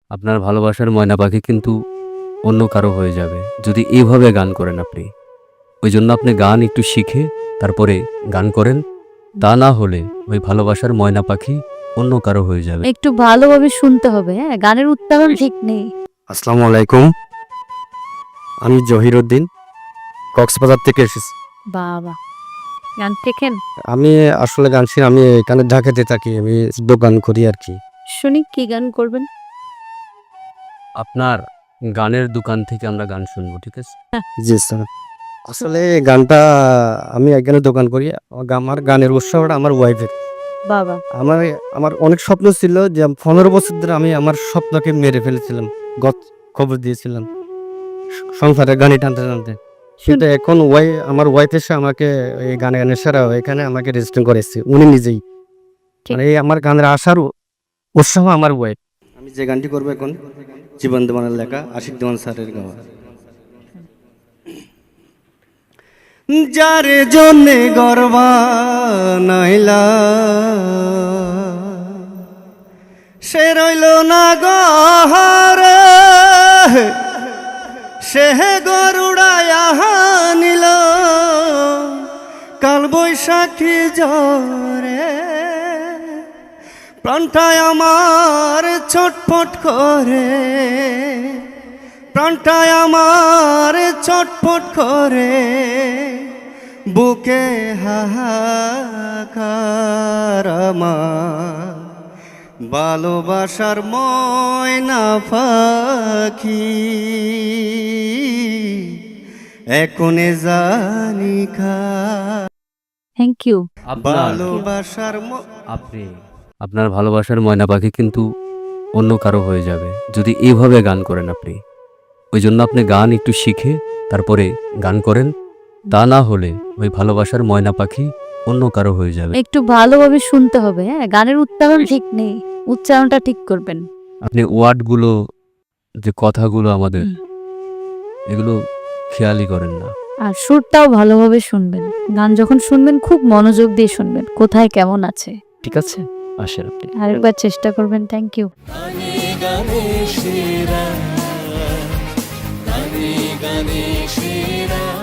আপনার ভালোবাসার ময়না পাখি কিন্তু অন্য কারো হয়ে যাবে যদি এইভাবে গান করেন আপনি। ওই জন্য আপনি গান একটু শিখে তারপরে গান করেন, তা না হলে ওই ভালোবাসার ময়না পাখি অন্য কারো হয়ে যাবে। একটু ভালোভাবে শুনতে হবে, হ্যাঁ, গানের উচ্চারণ ঠিক নেই। আসসালামু আলাইকুম, আমি জহিরুদ্দিন, কক্সবাজার থেকে এসেছি। বাবা, গান শেখেন? আমি আসলে গান শিখি, আমি এখানে ঢাকাতে থাকি, আমি দোকান করি আর কি। শুনি কি গান করবেন? আপনার গানের দোকান থেকে আমরা গান শুনবো, ঠিক আছে? জি স্যার, আসলে এই গানটা আমি এখানে দোকান করি। আমার গানের উৎসাহটা আমার ওয়াইফের। বাবা, আমার আমার অনেক স্বপ্ন ছিল যে 15 বছর ধরে আমি আমার স্বপ্নকে মেরে ফেলেছিলাম, গত খবর দিয়েছিলাম সংসারে গানি টানতে টানতে। কিন্তু এখন আমার ওয়াইফ এসে আমাকে এই গানের সারা এখানে আমাকে রেজিস্ট্রেশন করেছে উনি নিজেই। ঠিক। মানে এই আমার গানের আসার উৎসাহ আমার ওয়াইফ। আমি যে গানটি করবো এখন জীবন দেওয়ানের লেখা, আশিক দেওয়ান স্যারের গাওয়া। যার জন্যে গর্বা নাইলা সে রইল না গহরে, সে গরুড়ায়া নিল কাল বৈশাখী ঝরে। প্রাণটায় আমার ছটফট করে, প্রাণটায় আমার ছটফট করে, বুকে হাহাকার আমার ভালোবাসার ময়না পাখি এখনে জানি খা। Thank you. ভালোবাসার আপনার ভালোবাসার ময়না পাখি কিন্তু অন্য কারো হয়ে যাবে যদি এইভাবে গান করেন আপনি। ওই জন্য আপনি গান একটু শিখে তারপরে গান করেন, তা না হলে ওই ভালোবাসার ময়না পাখি অন্য কারো হয়ে যাবে। একটু ভালোভাবে শুনতে হবে, হ্যাঁ, গানের উচ্চারণ ঠিক নেই, উচ্চারণটা ঠিক করবেন। আপনি ওয়ার্ডগুলো, যে কথাগুলো আমাদের, এগুলো খেয়ালই করেন না। আর সুরটাও ভালোভাবে শুনবেন। গান যখন শুনবেন খুব মনোযোগ দিয়ে শুনবেন, কোথায় কেমন আছে। ঠিক আছে, আসেন আপনি। আরেকবার চেষ্টা করবেন। Thank you. গানে গানে সেরা, গানে গানে সেরা।